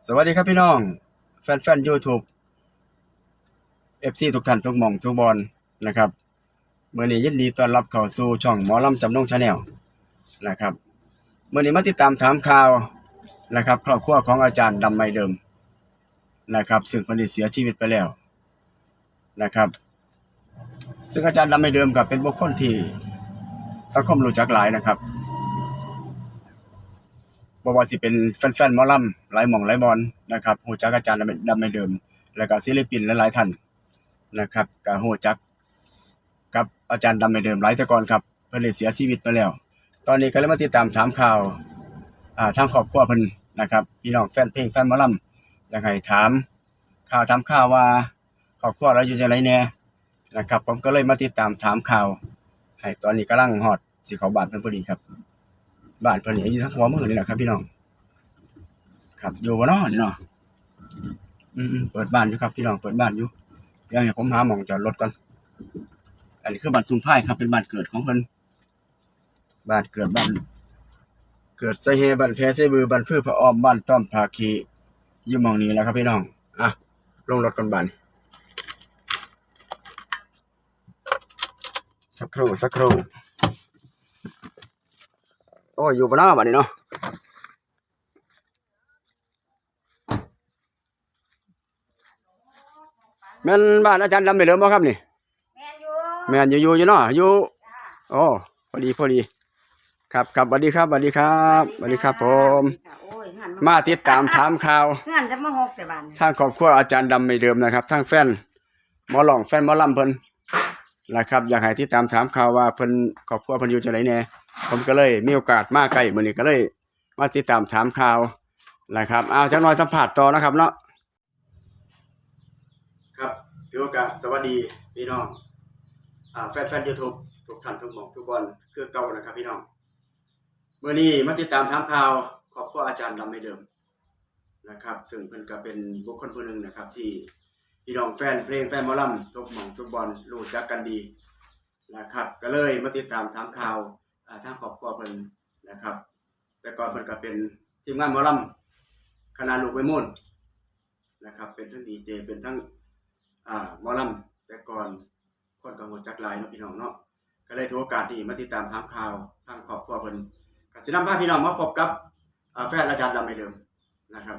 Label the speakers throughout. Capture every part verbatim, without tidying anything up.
Speaker 1: สวัสดีครับพี่น้องแฟนๆ YouTube เอฟ ซี ทุกท่านทุกหม่องทุกบอนนะครับมื้อนี้ยินดีต้อนรับเข้าสู่ช่องหมอลำจำนง Channel นะครับมื้อนี้มาติดตามถามข่าวนะครับครอบครัวของอาจารย์ดำไม้เดิมนะครับซึ่งเพิ่นได้เสียชีวิตไปแล้วนะครับซึ่งอาจารย์ดำไม้เดิมก็เป็นบุคคลที่สังคมรู้จักหลายนะครับบ่ว่าสิเป็นแฟนๆหมอลำหลายหม่องหลายบอนนะครับรู้จักอาจารย์ดำไม้เดิมแล้วก็ศิลปินหลายๆท่านนะครับก็รู้จักกับอาจารย์ดำไม้เดิมหลายแต่ก่อนครับเพิ่นได้เสียชีวิตไปแล้วตอนนี้ก็เลยมาติดตามถามข่าวอ่าทางครอบครัวเพิ่นนะครับพี่น้องแฟนเพลงแฟนหมอลำอยากให้ถามข่าวถามข่าวว่าครอบครัวเราอยู่จังไดแน่นะครับผมก็เลยมาติดตามถามข่าวให้ตอนนี้กำลังฮอดสิเข้าบ้านเพิ่นพอดีครับบ้านเพิ่นนี่อยู่ทางหัวเมืองนี่แหละครับพี่น้องครับอยู่บ่เนาะนี่เนาะอืมๆเปิดบ้านอยู่ครับพี่น้องเปิดบ้านอยู่เดี๋ยวให้ผมหาหม่องจอดรถก่อนอันนี้คือบ้านทุ่งไผ่ครับเป็นบ้านเกิดของเพิ่นบ้านเกิดบ้านเกิดไสเฮบ้านแพไสบือบ้านพือพระอ้อมบ้านต้อมภาคีอยู่หม้องนี้แหละครับพี่น้องอ่ะลงรถก่อนบ้านสักครู่สักครู่โอ้ยอยู่บ่เนาะบัดนี้เนาะแม่นบ้านอาจารย์ดำได้เหลือบ่ครับนี่แม่นอยู่แม่นอยู่อยู่อยู่เนาะอยู่โอ้พอดีพอดีครับครับสวัสดีครับสวัสดีครับสวัสดีครับผมมาติดตามถามข่าว
Speaker 2: งานจะมาหกแต่บ้าน
Speaker 1: ทางครอบครัวอาจารย์ดำไม่เดิมนะครับทางแฟนหมอหลองแฟนหมอลำเพิ่นนะครับอยากให้ติดตามถามข่าวว่าเพิ่นครอบครัวเพิ่นอยู่จังไดแหน่ผมก็เลยมีโอกาสมาใกล้มื้อนี้ก็เลยมาติดตามถามข่าวนะครับเอาจักหน่อยสัมภาษณ์ต่อนะครับเนาะครับถือโอกาสสวัสดีพี่น้องอ่าแฟนๆ YouTube ทุกท่านทุกหม่องทุกบอนคือเก่านะครับพี่น้องมื้อนี้มาติดตามถามข่าวครอบครัวอาจารย์ดำไม่เดิมนะครับซึ่งเพิ่นก็เป็นบุคคลผู้หนึ่งนะครับที่พี่น้องแฟนเพลงแฟนหมอลำทุกหม่องทุกบอนรู้จักกันดีนะครับก็เลยมาติดตามถามข่าวอ่าทางครอบครัวเพิ่นนะครับแต่ก่อนเพิ่นก็เป็นทีมงานหมอลำคณะลูกไม้มูลนะครับเป็นทั้งดีเจเป็นทั้งอ่าหมอลำแต่ก่อนคนก็รู้จักหลายเนาะพี่น้องเนาะก็เลยถือโอกาสนี้มาติดตามถามข่าวทางครอบครัวเพิ่นก็สินำพาพี่น้องมาพบกับอ่าแฟนอาจารย์ดำไม่เดิมนะครับ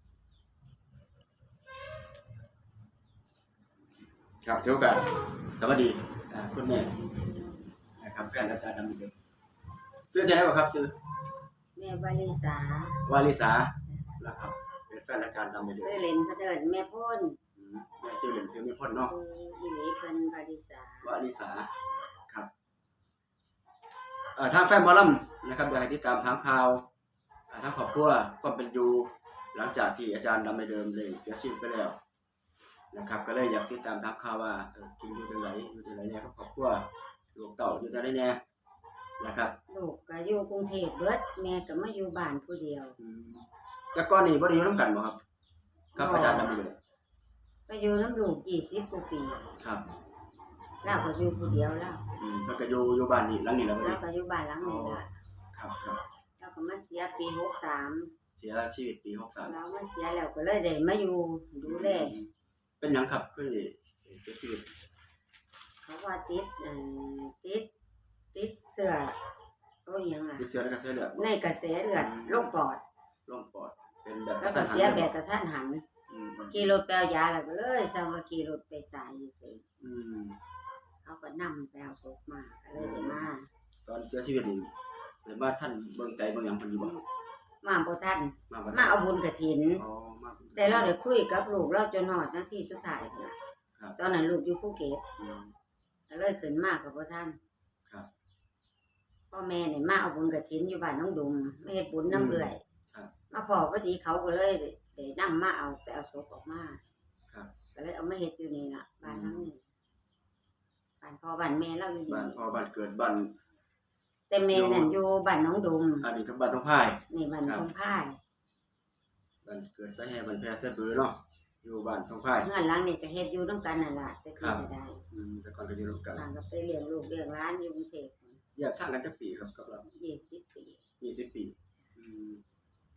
Speaker 1: ครับถือโอกาสสวัสดีอ่าคุณแม่นะครับแฟนอาจารย์ดำไม่เดิมซื้อจะได้บ่ครับซื้อ
Speaker 2: แม่วาลิสาว
Speaker 1: าลิสานะครับเป็นแฟนอาจารย์ดำไม่เดิม
Speaker 2: ซื้อเล่นพระเดินแม่พ่น
Speaker 1: แม่ซื้อเหรียญซื้อไม่พ้นเนาะ
Speaker 2: อีหลีเพิ่นวาลิสาว
Speaker 1: าลิสาครับเอ่อทางแฟนหมอลำนะครับอยากให้ติดตามถามข่าวทางครอบครัวความเป็นอยู่หลังจากที่อาจารย์ดำไม่เดิมเลยเสียชีวิตไปแล้วนะครับก็เลยอยากติดตามถามข่าวว่าเออกินอยู่จังไดอยู่จังไดเนี่ยครับครอบครัวลูกเต้าอยู่จังไดแน่นะครับ
Speaker 2: ลูกก็อยู่กรุงเทพเบิดแม่ก็มาอยู่บ้านผู้เดียว
Speaker 1: อืมแต่ก่อนนี้บ่ได้อยู่นำกันบ่ครับครับอาจารย์ดำไม่เดิม
Speaker 2: ไปอยู่น้ำลูกยี่สิบกว่าปี
Speaker 1: ครับ
Speaker 2: แล้วก็อยู่ผู้เดียวแล้ว
Speaker 1: อืมแล้วก็อยู่อยู่บ้านนี้หลังนี้แล้วบ่
Speaker 2: แล้วก็อยู่บ้านหลังนี้ล่ะ
Speaker 1: ครับครับ
Speaker 2: แล้วก็มาเสียปีหกสาม
Speaker 1: เสียชีวิตปีหกสาม
Speaker 2: แล้วมาเสียแล้วก็เลยได้มาอยู่ดูแล
Speaker 1: เป็นหยังครับคือเสียชีวิต
Speaker 2: เขาว่าติดอันติดติดเสื้อโอ้ยยังล่ะ
Speaker 1: ติดเชื้อในกระแสเลือด
Speaker 2: ในกระแสเลือดโรคปอด
Speaker 1: โรคปอดเป็นแบบ
Speaker 2: แล้วก็เสียแบบกระทันหันขี่รถไปเอายาแล้วก็เลยซ้ำว่าขี่รถไปตายอยู่ซี่อืมเขาก็นำไปเอาศพมาก็เลยได้มา
Speaker 1: ตอนเสียชีวิตนี่ได้มาท่านเบิ่งใจเบิ่งหยังเพิ่นอยู่บ่
Speaker 2: มาบ่ทันมาเอาบุญกฐิน
Speaker 1: อ๋อมา
Speaker 2: แต่เราได้คุยกับลูกเราจนฮอดนาทีสุดท้ายพุ่นล่ะครับตอนนั้นลูกอยู่ภูเก็ตอืมก็เลยขึ้นมาก็บ่ทันครับพ่อแม่นี่มาเอาบุญกฐินอยู่บ้านน้องดุมมาเฮ็ดบุญนำเอื้อยครับมาพอพอดีเขาก็เลยได้นำมาเอาไปเอาศพออกมาครับก็เลยเอามาเฮ็ดอยู่นี่ล่ะบ้านหลังนี้บ้านพ่อบ้านแม่เราอยู่นี่
Speaker 1: บ้านพ่อบ้านเกิดบ้าน
Speaker 2: แต่แม่นั่นอยู่บ้านน้องดุม
Speaker 1: อันนี้ทั้งบ้านทั้งพาย
Speaker 2: นี่บ้านทองพาย
Speaker 1: บ้านเกิดไสแห่บ้านแพไสบือเนาะอยู่บ้านทองพาย
Speaker 2: เฮือนหลังนี้ก็เฮ็ดอยู่นำกันนั่นล่ะแต่คือก็ได้
Speaker 1: อืมแต่ก่อนก็อยู่นำกัน
Speaker 2: ก็ไปเลี้ยงลูกเลี้ยงหลานอยู่กรุงเทพ
Speaker 1: แยกทางกันจักปีครับกับเรา
Speaker 2: ยี่สิบปี
Speaker 1: ยี่สิบปีอืม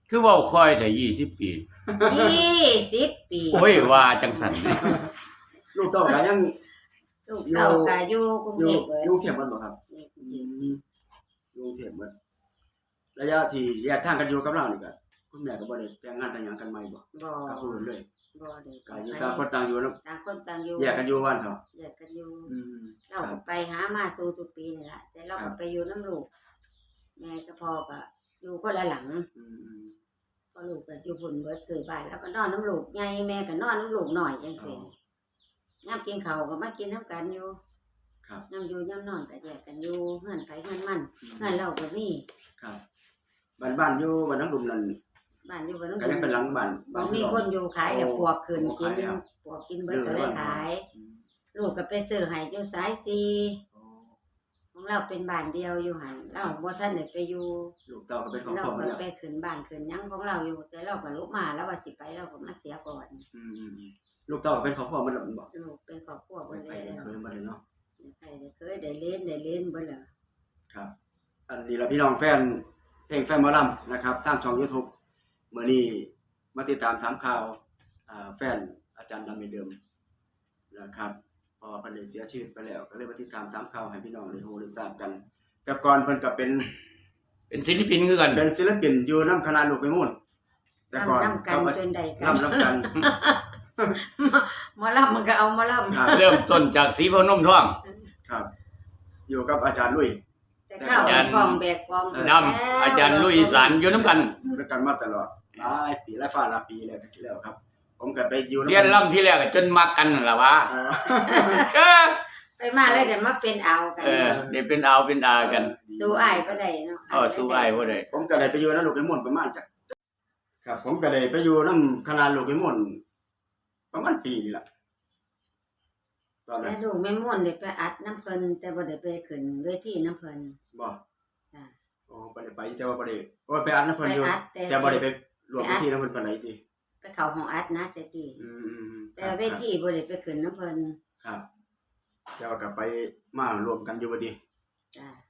Speaker 3: คือเว้าค่อยแต่ยี่สิบปี
Speaker 2: ยี่สิบปี
Speaker 3: โอ้ยว่าจังซั่น
Speaker 1: ลูกเต้าก็ยัง
Speaker 2: ลูกเต้าก็อยู่กรุง
Speaker 1: อ
Speaker 2: เท
Speaker 1: ยู่
Speaker 2: พเบิด
Speaker 1: อยู่กรุงเทพฯบ่ครับ
Speaker 2: อยู่กรุงเทพ
Speaker 1: อยู่กรุงเทพฯเบิดระยะที่แยกทางกันอยู่กับเรานี่ก็คุณแม่ก็บ่ได้แต่งงานแต่งหยังกันใหม่บ่
Speaker 2: บ่
Speaker 1: กับผู้อื่นเลย
Speaker 2: บ่ได้
Speaker 1: ก็อยู่ต่างคนต่างอยู่เนาะ
Speaker 2: ต่างคนต่างอยู่
Speaker 1: แยกกันอยู่วันเถาะ
Speaker 2: แยกกันอยู่
Speaker 1: อืม
Speaker 2: เราก็ไปหามาสู่ทุกปีนี่ล่ะแต่เรา
Speaker 1: ครั
Speaker 2: ก็
Speaker 1: บ
Speaker 2: ไปอยู่น้ำลูกแม่กับพ่อก็อยู่คนละหลัง
Speaker 1: อืม
Speaker 2: พอลูกก็อยู่พุ่นเบิดซื้อบ้านแล้วก็นอนน้ำลูกใหญ่แม่ก็นอนน้ำลูกหน่อยจังซี่ยามกินข้าวก็มากินน้ำกันอยู่
Speaker 1: ครับ
Speaker 2: ยามอยู่ยามนอนก็แยกกันอยู่เฮือนไผเฮือนมันเฮือนเราก็มี
Speaker 1: ครับบ้านบ้านอยู่บ้านน้ำดุมนั่น
Speaker 2: บ้านอยู่บ่น้ำ
Speaker 1: ก็ยังเป็นหลังบ้าน
Speaker 2: บ่มีคนอยู่ขายแล้วปวกขึ้น
Speaker 1: โอ้
Speaker 2: กิน
Speaker 1: ขายแล้ว
Speaker 2: ปวกกินเบิดก็เลยขาย
Speaker 1: อืม
Speaker 2: ลูกก็ไปซื้อให้อยู่สายสี่
Speaker 1: โอ้
Speaker 2: ของเราเป็นบ้านเดียวอยู่หั่นเราบ่ทันได้ไปอยู่
Speaker 1: ลูกเต้าก็เป็นของ
Speaker 2: เรา
Speaker 1: พ่อหม
Speaker 2: ก็
Speaker 1: ดแล้ว
Speaker 2: ไปขึ้นบ้านขึ้นหยังของเราอยู่ แต่เราก็ลุกมาแล้วว่าสิไปเราก็มาเสียก่อน
Speaker 1: อืมอืมอืมลูกเต้าก็เป็นของพ่อหมดแล้วบ่
Speaker 2: ลูกเป็นครอบครัว
Speaker 1: ไป
Speaker 2: เบ่
Speaker 1: ไป
Speaker 2: แล้
Speaker 1: ได้
Speaker 2: ว
Speaker 1: เคยมาเลยเนาะ
Speaker 2: ใครได้เคยได้เล่นได้เล่นบ่ล่ะ
Speaker 1: ครับ อันนี้ล่ะพี่น้องแฟนเพลงแฟนหมอลำนะครับทางช่อง YouTube มื้อนี้มาติดตามถามข่าวอ่าแฟนอาจารย์ดำเหมือนเดิมนะครับเพอเพิ่นได้เสียชีวิตไปแล้ว ก็เลยมาติดตามถามข่าวให้พี่น้องได้รู้ได้ทราบกันแต่ก่อนเพิ่นก็เป็น
Speaker 3: เป็นศิลปินคือกัน
Speaker 1: เป็นศิลปินอยู่นำคณะลูกไปมุ่นแต่ก่อน
Speaker 2: นำกันจนได้กัน
Speaker 1: นำนำกัน
Speaker 2: หมอลำมันก็เอาหมอลำ
Speaker 1: ครับ
Speaker 3: เริ่มต้นจากสีพนมท่อง
Speaker 1: ครับ อยู่กับอาจารย์ลุย
Speaker 2: แต่ข้าวแบกกองแบกกอง
Speaker 3: ดำอาจารย์ลุยอีสานอยู่นํกัน
Speaker 1: อยู่ด้วยกันมาตลอดหลายปีหลายฟ้าหลายปีแล้วที่แล้วครับ ผมก็ไปอยู่
Speaker 3: เรียนล่ำที่แรกก็จนมักกันนั่นล่ะว่า
Speaker 1: อ่า
Speaker 3: เออ
Speaker 2: ไปมาแล้วเดี๋ยวมาเป็นเอากัน
Speaker 3: เออได้เป็นเอาเป็นอากัน
Speaker 2: สู้อ้ายบ่ได้เนาะ
Speaker 3: เออสู้อ้ายบ่ได้
Speaker 1: ผมก็เลยไปอยู่นำลูกไปมุ่นประมาณจักครับ ผมก็เลยไปอยู่นำคณะลูกไปมุ่นประมาณปีนี่ล่ะตอนนั้
Speaker 2: แต่
Speaker 1: น
Speaker 2: ลูกแม่ม่วนได้ไปอัดน้ำเพิ่นแต่บ่ได้ไปขึ้นเวทีน้ำเพิ่น
Speaker 1: บ่
Speaker 2: จ้ะ
Speaker 1: โอ้บ่ได้ไปแต่ว่าบ่ได้โอ้ไปอัดนำ
Speaker 2: ไป
Speaker 1: เพิ่นอยู่
Speaker 2: อัดแต่
Speaker 1: แต่บ่ได้ไปรวมพิธีนำเพิ่นปานใดติ
Speaker 2: ไปเข้าห้องอัดนะแต่กี้
Speaker 1: อืมๆๆ
Speaker 2: แต่เวทีบ่ได้ไปขึ้นน้ำเพิ่น
Speaker 1: ครับแต่ว่าก็ไปมารวมกันอยู่บ่ติ
Speaker 2: จ้ะ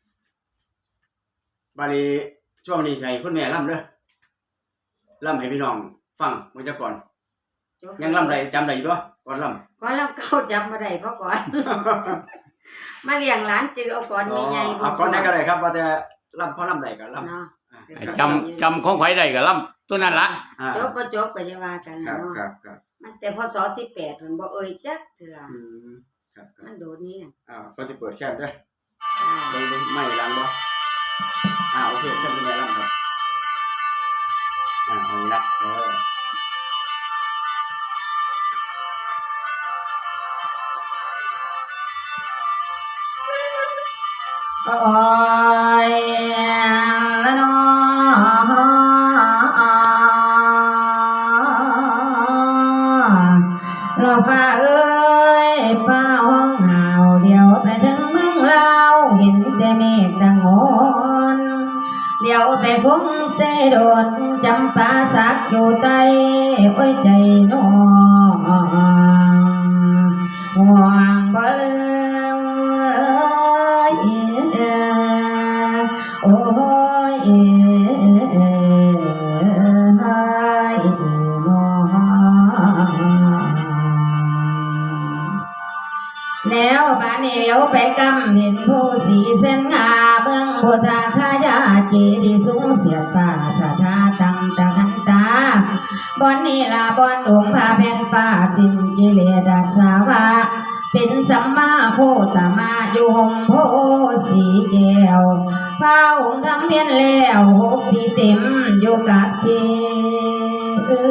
Speaker 1: บาดนี้ช่วงนี้ใส่คุณแม่ล่ำเด้อล่ำให้พี่น้องฟังเมื่อจักก่อน
Speaker 2: จบ
Speaker 1: ยังล่ำได้จำได้อยู่ตัวก่อนล่ำ
Speaker 2: ก่อนลำเก่าจำบ่ได้เพราะก่อน มาเลี้ยงหลานจือเอาก่อนแม่ใหญ่
Speaker 1: เอาก่อนได้ก็ได้ครับว่าแต่ล่ำพอล่ำได้ก็ล่ำ
Speaker 2: เนาะ
Speaker 1: อ่า
Speaker 3: จำจำของไผได้ก็ล่ำตัวนั้นล่ะ
Speaker 1: อ่า
Speaker 2: จบบ่จบก็จะว่ากัน
Speaker 1: ครั
Speaker 2: ล่ะ
Speaker 1: บ
Speaker 2: เนาะ
Speaker 1: ครับครับ
Speaker 2: มันแต่พศสิบแปดเพิ่นบ่เอ่ยจักเทื่อ
Speaker 1: อืมครับครับ
Speaker 2: มันโดนนี้น่ะ
Speaker 1: อ่าก็จะเปิดแค่นเด้อ
Speaker 2: จ้า
Speaker 1: เบิ่งเบิ่งไม่ล้างบ่อ่าโอเคเช่นคุณแม่ล่ำครับอ่าเอาละเออ
Speaker 2: โอ้ยละน้อเราฟ้าเอ้ยฟ้าห้องหาวเดียวไปถึงเมืองลาวเห็นแต่เมฆดังโหนเดี๋ยวไปคงเสดนจำปาสักอยู่ใต้โอ้ยใจน้องห่วงบ่ลืมเอ้ยโอ้ยเอ้ยน้องแล้วบ้านนี้เลี้ยวไปกำเห็นผู้สีเส้นงาเบื้องโบทาขายาเจดีย์สูงเสียดฟ้าสาธาตังตะขันตาบอนนี้ลาบอนหลวงพาแผ่นฟ้าสิ้นกิเลสดัสาวะเป็นสัมมาโคตมาอยู่หงโพสีแก้วพระองค์ทำเพียนแล้วหกปีเต็มอยู่กับเจเอ้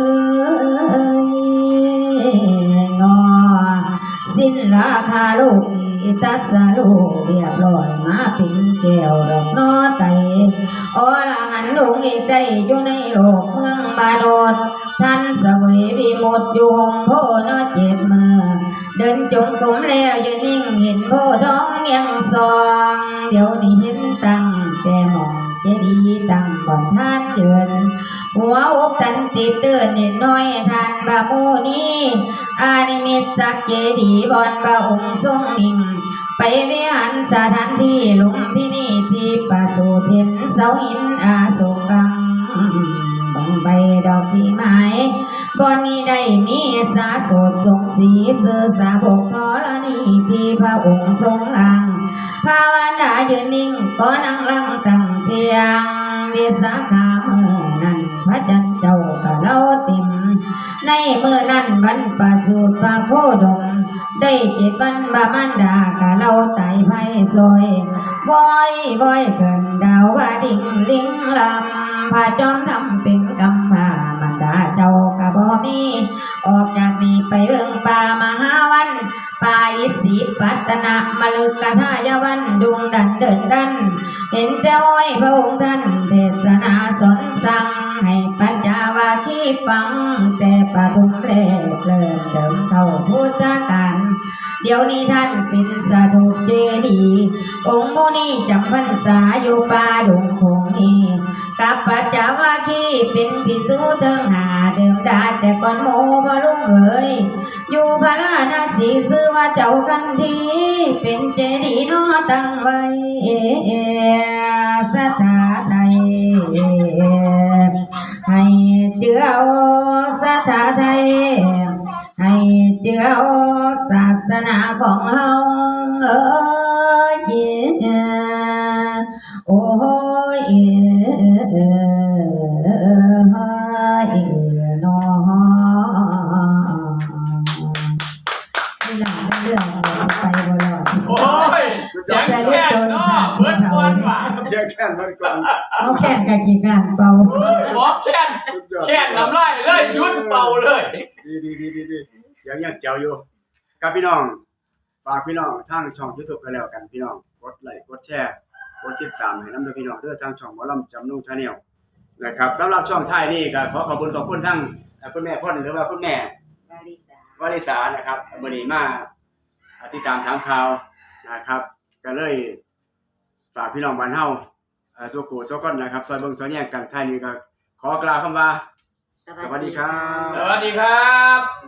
Speaker 2: ยนอสิ้นราคาลูกตัดสาลูกเรียบร้อยมาเป็นแก้วดอกนอไตอรหันต์องค์เอกได้อยู่ในโลกเมืองบาโดดท่านเสวยวิมุตติอยู่หงโพนอเจ็บมือเดินจงกรมแล้วยืนนิ่งเห็นโพท้องยังซองเดี๋ยวนี้เห็นตั้งแต่มองเจดีย์ตั้งก่อนท่านเดินหัวอกตันติดเตือนนิดน้อยท่านบาโมนี้อานิมิตสักเจดีย์บอนบาองค์ทรงนิ่งไปวิหารสถานที่ลุมพินีที่ประสูติเห็นเสาหินอาโศกังใบดอกที่ไม้บอนนี้ได้มีสาโสดทรงสีเสือสาบกธรณีที่พระองค์ทรงลังภาวนายืนนิ่งก็นั่งลังตั้งเทียงวิสาขาเมื่อนั้นพระจันทร์เจ้ากะเล่าติมในเมื่อนั้นบรรปสูตรพระโคดมได้เจ็ดวันบามันดากะเล่าไต่ไพ่ซอยบอยบอยเกินดาวว่าดิ่งลิงลำพระจอมทำเป็นกำพามันดาเจ้ากะบ่มีออกจากนี้ไปเบิ่งป่ามหาวันป่าอิสิปัตนะมะลึกกะทายวันดุงดันเดินดันเห็นแต่อ้อยพระองค์ท่านเทศนาสอนสั่งให้ปัญญาวาคีฟังแต่ปฐุมเริ่มเริ่มเดิมเข้าพุทธกาลเดี๋ยวนี้ท่านเป็นสาธุเจดีย์องค์มุนีจำพรรษาอยู่ป่าดงคงนี้กับปัจจาวาคีเป็นภิกษุเทิงหาเดิมดาแต่ก่อนโมพลุงเอ๋ยอยู่พระราณสีซื้อว่าเจ้ากันทีเป็นเจดีย์น้อตั้งไว้สถาใดให้เจือสถาใดให้เจือศาสนาของเฮาเอ้ยโอ้ยเอ้ยน้อนี่หลังเรื่องไปบ่รอด
Speaker 3: โอ้ยเสียงแค่นเนาะเบิดก่อนว่ะ
Speaker 1: เสียงแค่นั้นก่อน
Speaker 2: เอาแค่นกับกี่การเป่า
Speaker 3: หมอแช่นแช่นน้ำลายเลยหยุดเป่าเลย
Speaker 1: ดีดีดีดีดีเสียงยังเจ๋วอยู่กับพี่น้องฝากพี่น้องทางช่อง YouTube กันแล้วกันพี่น้องกดไลค์กดแชร์กดติดตามให้นำด้วยพี่น้องเด้อทางช่องหมอลำจำนุ่งชาแนลนะครับสำหรับช่องท้ายนี่ก็ขอขอบคุณขอบคุณทั้งคุณแม่พ่นหรือว่าคุณแม่
Speaker 2: วาริสาว
Speaker 1: ริษานะครับมื้อนี้มาติดตามถามข่าวนะครับก็เลยฝากพี่น้องบ้านเฮาเอ่อสุขุสุขนนะครับซอยเบิ่งซอยแย่งกันท้ายนี้ก็ขอกล่าวคำว่า สวัสดีครับ
Speaker 3: สวัสดีครับ